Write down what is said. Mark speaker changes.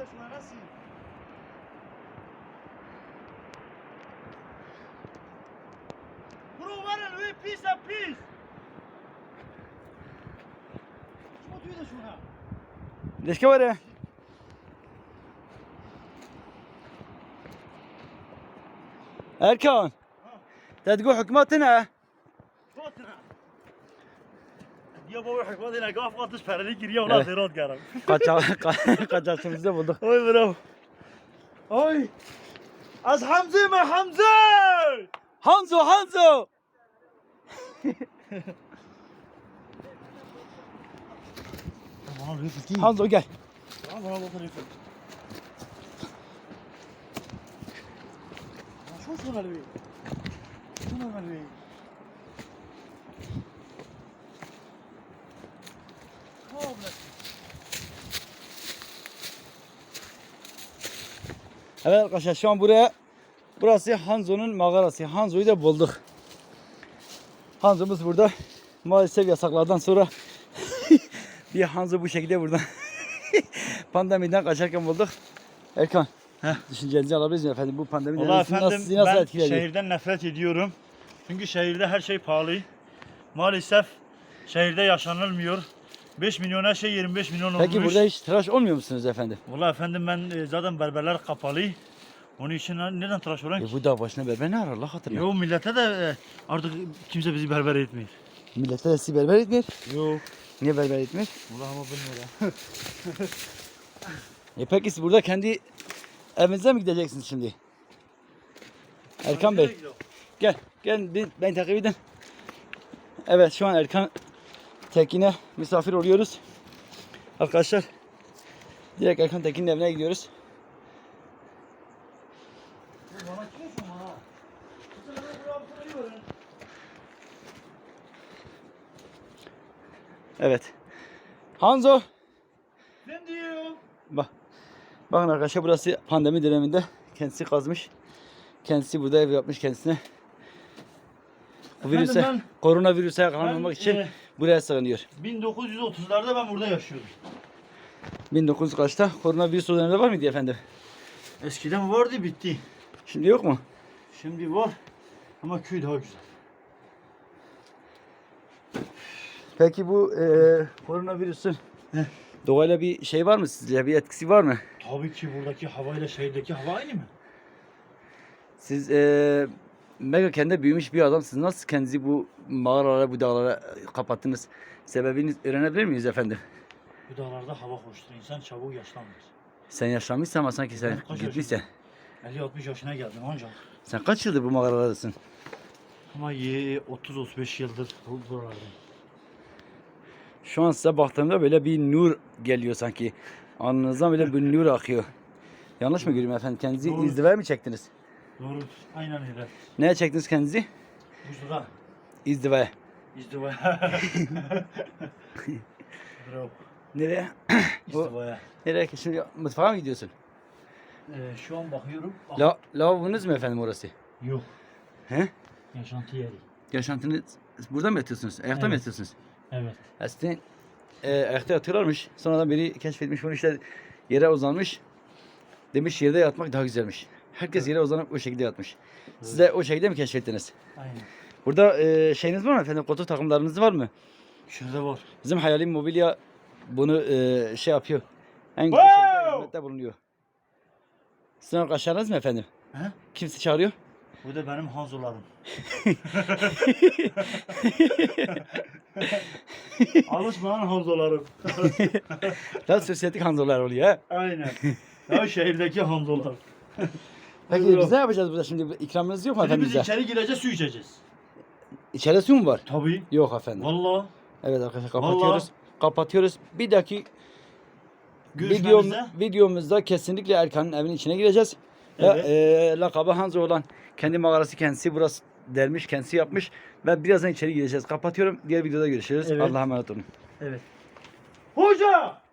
Speaker 1: şuna nasıl? Bro var lui pis a pis. Şuna tüy de şuna.
Speaker 2: ليش كورة؟ أركان تقول حكمتنا
Speaker 1: Fotna. Ya baba hikmet ile gaf atış pereli giriyor ulan zerat garam.
Speaker 2: kaçarsınızda bulduk.
Speaker 1: Oy bro. Oy. Az Hamza mı Hamza?
Speaker 2: Hanzo
Speaker 1: Bana rifle değil.
Speaker 2: Hanzo gel.
Speaker 1: Bana bakın rifle. Şuna lui. Şuna lui.
Speaker 2: Evet arkadaşlar şu an burası Hanzo'nun mağarası. Hanzo'yu da bulduk. Hanzo'muz burada. Maalesef yasaklardan sonra bir Hanzo bu şekilde buradan pandemiden kaçarken bulduk. Erkan, düşüncenizi alabiliriz mi efendim? Bu pandemi
Speaker 1: Vallahi
Speaker 2: nasıl,
Speaker 1: efendim
Speaker 2: sizi nasıl
Speaker 1: ben
Speaker 2: etkiledi?
Speaker 1: şehirden nefret ediyorum. Çünkü şehirde her şey pahalı. Maalesef şehirde yaşanılmıyor. 5 milyon her şey 25 milyon olmuş.
Speaker 2: Peki burada hiç tıraş olmuyor musunuz efendim?
Speaker 1: Vallahi efendim ben zaten berberler kapalı. Onun için neden tıraş olan ki?
Speaker 2: Bu da başına berber ne arar Allah hatırına?
Speaker 1: Yo millete de artık kimse bizi berber etmiyor.
Speaker 2: Millete de sizi berber etmiyor.
Speaker 1: Yok.
Speaker 2: Niye berber etmiyor?
Speaker 1: Vallahi ama bilmiyorum.
Speaker 2: Peki siz burada kendi evinize mi gideceksiniz şimdi? Erkan Bey. Gel beni takip edin. Evet şu an Erkan Tekin'e misafir oluyoruz. Arkadaşlar direkt Erkan Tekin'in evine gidiyoruz. Evet. Hanzo.
Speaker 1: Ben diyorum.
Speaker 2: Bakın arkadaşlar burası pandemi döneminde kendisi kazmış. Kendisi burada ev yapmış kendisine. Koronavirüse yakalanmamak için buraya sığınıyor.
Speaker 1: 1930'larda ben burada yaşıyordum.
Speaker 2: 1900 kaçta? Koronavirüs o dönemde var mıydı efendim?
Speaker 1: Eskiden vardı bitti.
Speaker 2: Şimdi yok mu?
Speaker 1: Şimdi var ama köy daha güzel.
Speaker 2: Peki bu koronavirüsün doğayla bir şey var mı sizce? Bir etkisi var mı?
Speaker 1: Tabii ki buradaki havayla şehirdeki hava aynı mı?
Speaker 2: Siz mega kendi büyümüş bir adamsınız. Nasıl kendinizi bu mağaralara, bu dağlara kapattınız? Sebebini öğrenebilir miyiz efendim?
Speaker 1: Bu dağlarda hava hoştur. İnsan çabuk yaşlanmaz.
Speaker 2: Sen yaşlanmışsın ama sanki sen
Speaker 1: Kaç
Speaker 2: gitmişsin.
Speaker 1: 50-60 yaşına geldim ancak.
Speaker 2: Sen kaç yıldır bu mağaralardasın?
Speaker 1: Ama 30-35 yıldır buralardayım.
Speaker 2: Şu an size baktığımda böyle bir nur geliyor sanki. Alnınızdan böyle bir nur akıyor. Yanlış mı görüyorum efendim? Kendinizi
Speaker 1: Doğru.
Speaker 2: izdivaya mı çektiniz?
Speaker 1: Doğru. Aynen öyle.
Speaker 2: Neye çektiniz kendinizi?
Speaker 1: Buzluğa.
Speaker 2: İzdivaya.
Speaker 1: İzdivaya. Bravo.
Speaker 2: Nereye?
Speaker 1: İzdivaya.
Speaker 2: Nereye? Şimdi mutfağa mı gidiyorsun?
Speaker 1: Şu an bakıyorum.
Speaker 2: Lavabonuz mu efendim orası?
Speaker 1: Yok.
Speaker 2: He?
Speaker 1: Yaşantı yeri.
Speaker 2: Yaşantınız burada mı yatıyorsunuz? Ayakta mı
Speaker 1: Evet.
Speaker 2: yatıyorsunuz?
Speaker 1: Evet.
Speaker 2: Eskiden ayakta yatıyorlarmış. Sonradan biri keşfetmiş bunu işte yere uzanmış. Demiş yerde yatmak daha güzelmiş. Herkes yere uzanıp o şekilde yatmış. Siz de o şekilde mi keşfettiniz?
Speaker 1: Aynen.
Speaker 2: Burada şeyiniz var mı efendim? Koltuk takımlarınız var mı?
Speaker 1: Şurada var.
Speaker 2: Bizim Hayali Mobilya bunu şey yapıyor. En güzel şekilde hizmette bulunuyor. Sizin arkadaşlarınız mı efendim?
Speaker 1: He?
Speaker 2: Kimse çağırıyor?
Speaker 1: Bu da benim hanzolarım. Alışmayan hanzolarım.
Speaker 2: Daha sosyetik hanzolar oluyor ha.
Speaker 1: Aynen. Ya şehirdeki hanzolar.
Speaker 2: Peki
Speaker 1: Buyurun.
Speaker 2: biz ne yapacağız burada şimdi? İkramınız yok mu
Speaker 1: Şimdi
Speaker 2: efendim
Speaker 1: biz
Speaker 2: bize?
Speaker 1: içeri gireceğiz, su içeceğiz.
Speaker 2: İçeride su mu var?
Speaker 1: Tabii.
Speaker 2: Yok efendim.
Speaker 1: Vallahi.
Speaker 2: Evet arkadaşlar kapatıyoruz. Kapatıyoruz. Bir dahaki
Speaker 1: Görüşmemizde.
Speaker 2: videomuzda kesinlikle Erkan'ın evinin içine gireceğiz.
Speaker 1: Evet.
Speaker 2: Ve lakabı Hanzo olan kendi mağarası kendisi burası dermiş, kendisi yapmış. Ve birazdan içeri gireceğiz. Kapatıyorum. Diğer videoda görüşürüz.
Speaker 1: Evet.
Speaker 2: Allah'a emanet olun.
Speaker 1: Evet. Hoca!